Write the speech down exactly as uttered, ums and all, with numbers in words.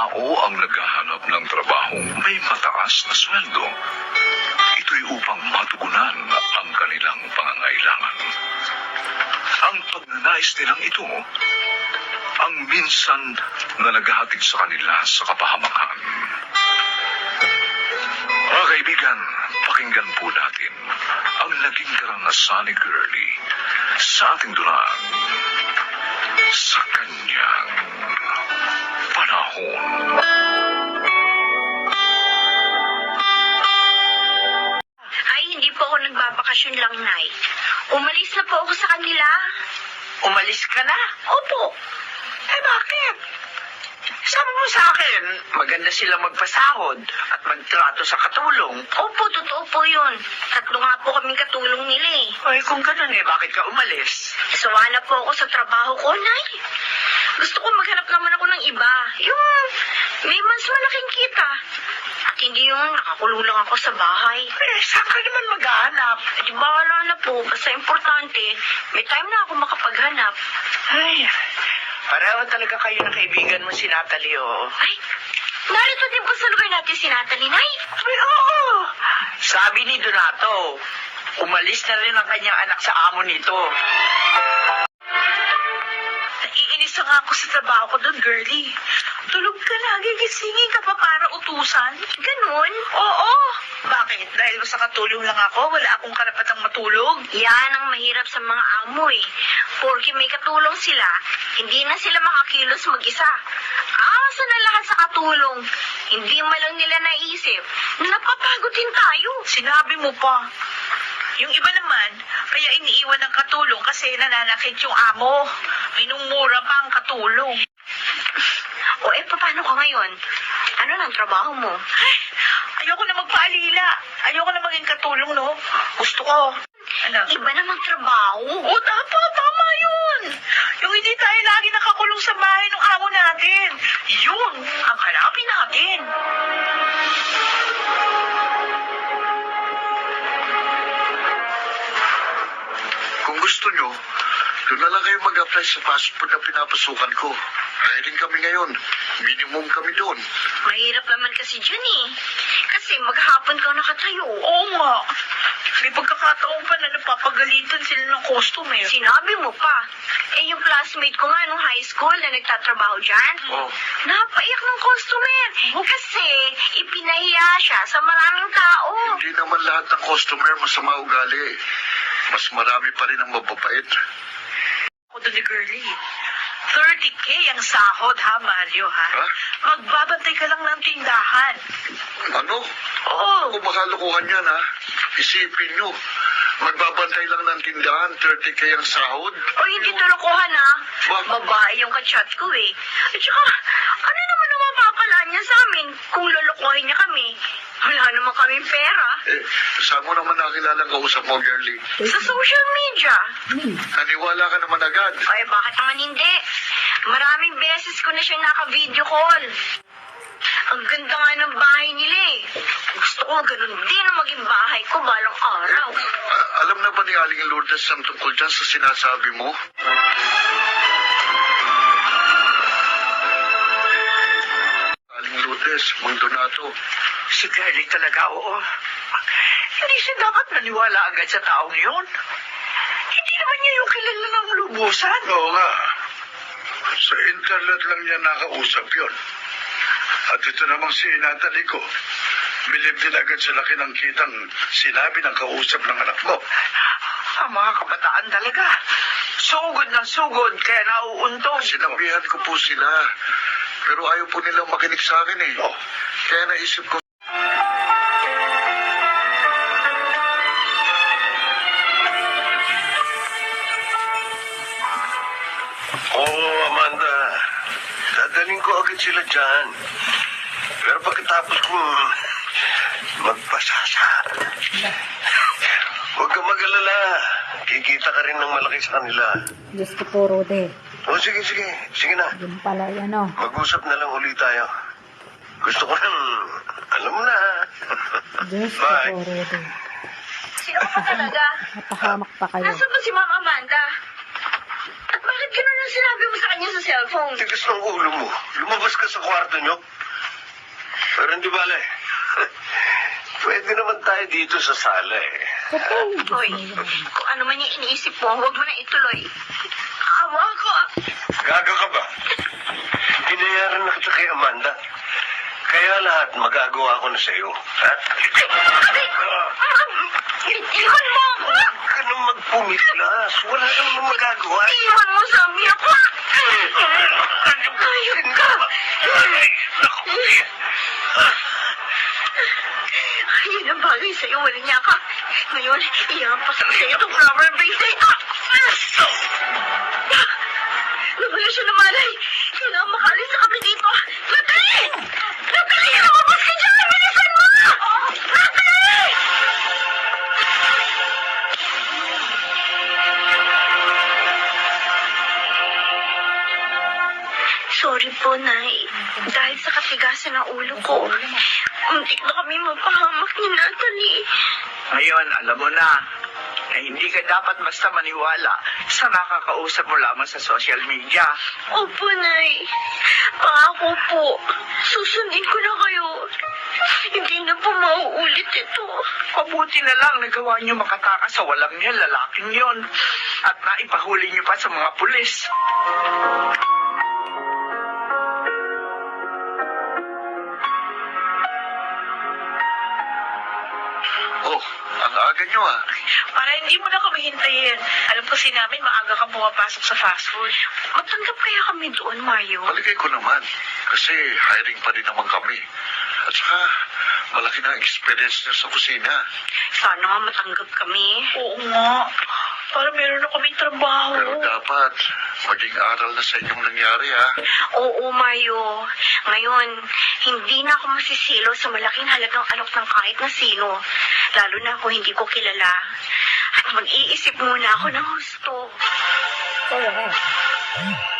tao ang naghahanap ng trabahong may mataas na sweldo. Ito'y upang matugunan ang kanilang pangangailangan. Ang pagnanais nilang ito, ang minsan na naghahatid sa kanila sa kapahamakan. Mga kaibigan, pakinggan po natin ang naging karanasan ni Girlie sa ating dulang sa kanyang panahon. Ay, hindi po ako nagbabakasyon lang, Nay. Umalis na po ako sa kanila. Umalis ka na? Opo. Eh, bakit? Sabi mo sa akin, maganda sila magpasahod at magtrato sa katulong. Opo, totoo po yun. Tatlo nga po kaming katulong nila eh. Ay, kung ganun eh, bakit ka umalis? Sawa na po ako sa trabaho ko, Nay. Gusto ko maghanap naman ako ng iba. Yung may mas malaking kita. At hindi yung nakakulong lang ako sa bahay. Eh, saan ka naman maghahanap? Eh, di bahala na po. Basta importante, may time na ako makapaghanap. Ay, pareho talaga kayo ng kaibigan mo si Natalie, oh. Ay, narito din po sa lugar natin si Natalie, Nay. Ay, oo. Sabi ni Donato, umalis na rin ang kanyang anak sa amo nito. Naiinis na nga ako sa trabaho ko doon, girlie. Tulog ka lagi, gisingin ka pa para utusan. Ganun? Oo. Bakit? Dahil sa katulong lang ako, wala akong karapatang matulog. Yan ang mahirap sa mga amo eh. Porke may katulong sila, hindi na sila makakilos mag-isa. Asa na lahat sa katulong. Hindi man lang nila naisip na napapagod din tayo. Sinabi mo pa. Yung iba naman, kaya iniiwan ng katulong kasi nananakit yung amo. Minumura pa ang katulong. O eh, paano ka ngayon? Ano nang trabaho mo? Ay, ayoko na magpaalila. Ayoko na maging katulong, no? Gusto ko. Ano? Iba namang trabaho. O, tama, tama yun. Yung hindi tayo lagi nakakulong sa bahay ng amo natin. Yun ang hanapin natin. Kung gusto nyo, doon na lang kayo mag-apply sa fast food na pinapasukan ko. Kaya din kami ngayon. Minimum kami doon. Mahirap naman kasi dyan eh. Kasi maghapon ka nakatayo. Oo nga. May pagkakataon pa na napapagalitan sila ng customer. Sinabi mo pa. Eh, yung classmate ko nga nung high school na nagtatrabaho dyan, Oh. napaiyak ng customer. Kasi ipinahiya siya sa maraming tao. Hindi naman lahat ng customer masama ugali. Mas marami pa rin ang mababait. Ako doon ni Girlie. thirty K ang sahod, ha, Mario, ha? Ha? Magbabantay ka lang ng tindahan. Ano? Oo. Kung makalukuhan yan, ha? Isipin nyo. Magbabantay lang ng tindahan, thirty K ang sahod. O hindi tulukuhan ha. Bakit? Babae yung kachat ko eh. At saka, ano naman ang mapapala niya sa amin kung lulukuhin niya kami? Wala naman kaming pera. Eh, saan mo naman nakilala ang kausap mo, girlie? Sa social media. Naniwala ka naman agad. Ay, bakit naman hindi? Maraming beses ko na siyang naka-video call. Ang ganda nga ng bahay nila eh. Gusto ko ganun din ang maging bahay ko balang araw. Ah, alam na ba ni Aling Lourdes ang tungkol dyan sa sinasabi mo? Aling Lourdes, Mang Donato. Si Girlie talaga, oo. Hindi siya dapat naniwala agad sa taong yun. Hindi naman niya yung kilala ng lubusan. Oo nga. Sa internet lang niya nakausap yon. At ito namang si Natalie ko. Bilib din agad sa laki ng kitang sinabi ng kausap ng anak mo. Ang mga kabataan talaga. Sugod ng sugod, kaya nauuntog. Sinabihan ko po sila. Pero ayaw po nilang makinig sa akin eh. Kaya naisip ko. Oo, Amanda. Dadaling ko agad sila dyan. Pero pagkatapos kong magpasasa, huwag ka mag-alala. Kikita ka rin ng malaki sa kanila. Diyos ko po, Rode. O sige, sige. Sige na. Yun pala, ano. Mag-usap na lang ulit tayo. Gusto ko nang, alam mo na. Diyos ko Bye. po, Rode. Sino ka pa talaga? Napahamak pa kayo. Nasaan ba si Ma'am Amanda? At bakit ganun ang sinabi mo sa kanya sa cellphone. Tigas ng ulo mo. Lumabas ka sa kwarto nyo. Pero hindi bale. Pwede naman tayo dito sa sala eh. Totoo. Hoy, kung ano man yung iniisip mo, huwag mo na ituloy. Awa ko. Gaga ka ba? Hinayaran na kita kay Amanda. Kaya lahat magagawa ko na sa'yo. Ha? Iwan mo ako. Huwag ka nang magpumiklas. Wala ka naman magagawa. Iwan mo sa amin ako. Ayun ka. Ayun ang bagay sa'yo. Walang niya ka. Ngayon, ihampas ko sa'yo itong rubber bracelet. Nawala siya ng malay. Kailangan makalis na kami dito. Natalie! Natalie! Lumabas ka dyan! Bilisan mo! Natalie! Sorry po, Nay. Dahil sa katigasan ng ulo ko, muntik na kami mapahamak ni Natalie. Ngayon, alam mo na, na hindi ka dapat basta maniwala sa nakakausap mo lamang sa social media. Opo, Nay. Pangako po, susundin ko na kayo. Hindi na po mauulit ito. Mabuti na lang nagawa niyo makatakas sa walang niya lalaking yon at naipahuli niyo pa sa mga pulis. Oh, ang aga nyo ah. Para hindi mo na kami hintayin. Alam ko si namin maaga kang pumapasok sa fast food. Matanggap kaya kami doon, Mario? Paligay ko naman. Kasi hiring pa din naman kami. At saka, malaki na ang experience niya sa kusina. Sana nga matanggap kami. Oo nga. Para meron na kaming trabaho. Pero dapat, maging aral na sa inyong nangyari ha. Oo, Mayo. Ngayon, hindi na ako masisilo sa malaking halagang alok ng kahit na sino. Lalo na kung hindi ko kilala. At mag-iisip muna ako ng husto. Correct.